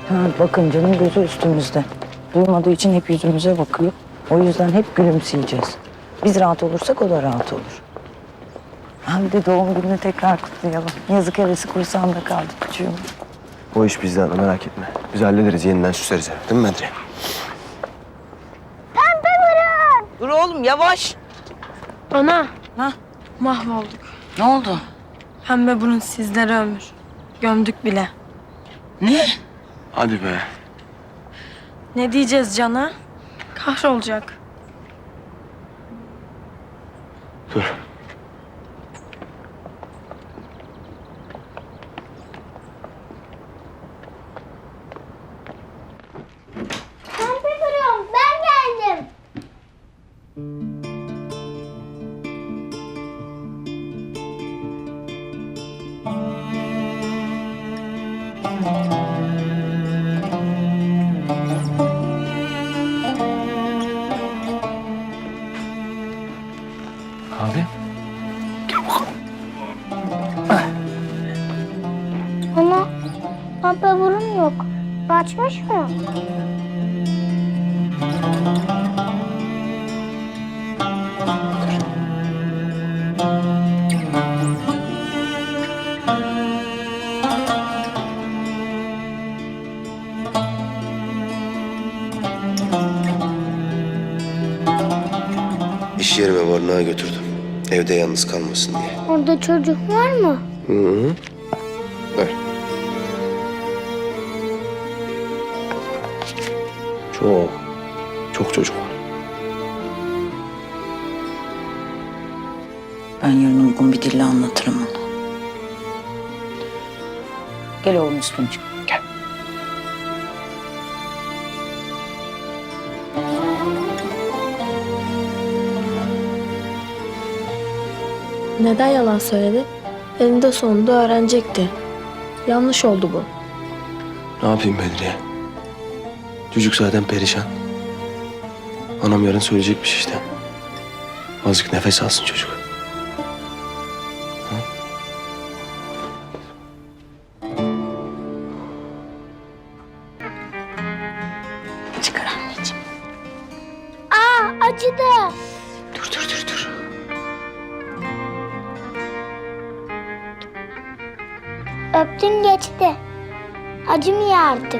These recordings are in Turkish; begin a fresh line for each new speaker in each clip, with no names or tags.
Ha, bakın canım gözü üstümüzde. Duymadığı için hep yüzümüze bakıyor. O yüzden hep gülümseyeceğiz. Biz rahat olursak o da rahat olur. Hem de doğum gününü tekrar kutlayalım. Yazık hevesi kursağında kaldı küçüğüm.
O iş bizde ana, merak etme. Biz hallederiz, yeniden süsleriz evi. Değil mi Bedriye?
Dur oğlum yavaş.
Ana,
Ha?
mahvolduk.
Ne oldu?
Pembe burun sizlere ömür. Gömdük bile.
Ne?
Hadi be.
Ne diyeceğiz Can'a? Kahrolacak.
Dur.
Pembe burun, ben geldim.
Abi.
Ama pembe burun yok. Kaçmış mı?
İş yerime barınağa götürdüm. Evde yalnız kalmasın diye.
Orada çocuk var mı?
Hı hı. Ver. Çok çocuk var.
Ben yarın uygun bir dille anlatırım onu. Gel oğlum üstüncük.
Gel.
Neden yalan söyledi? Elinde sonunda öğrenecekti. Yanlış oldu bu.
Ne yapayım Bedriye? Çocuk zaten perişan. Anam yarın söyleyecekmiş işte. Azıcık nefes alsın çocuk.
Çıkar anneciğim.
Aa, acıdı.
Dur.
Öptün geçti. Acımıyor artık.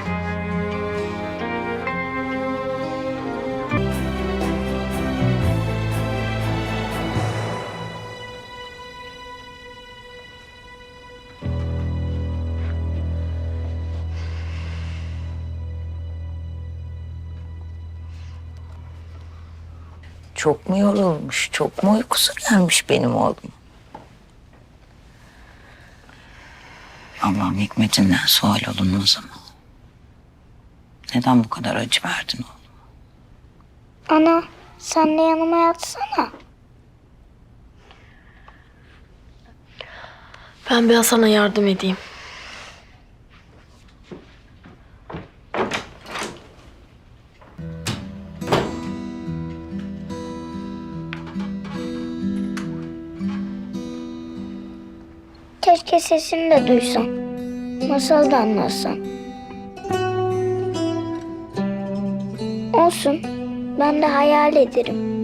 Çok mu yorulmuş, çok mu uykusu gelmiş benim oğlum? Allah'ım hikmetinden sual olunmaz ama. Neden bu kadar acı verdin oğlum?
Ana, sen de yanıma yatsana.
Ben biraz sana yardım edeyim.
Keşke sesini de duysam. Masal da anlatsan. Olsun, ben de hayal ederim.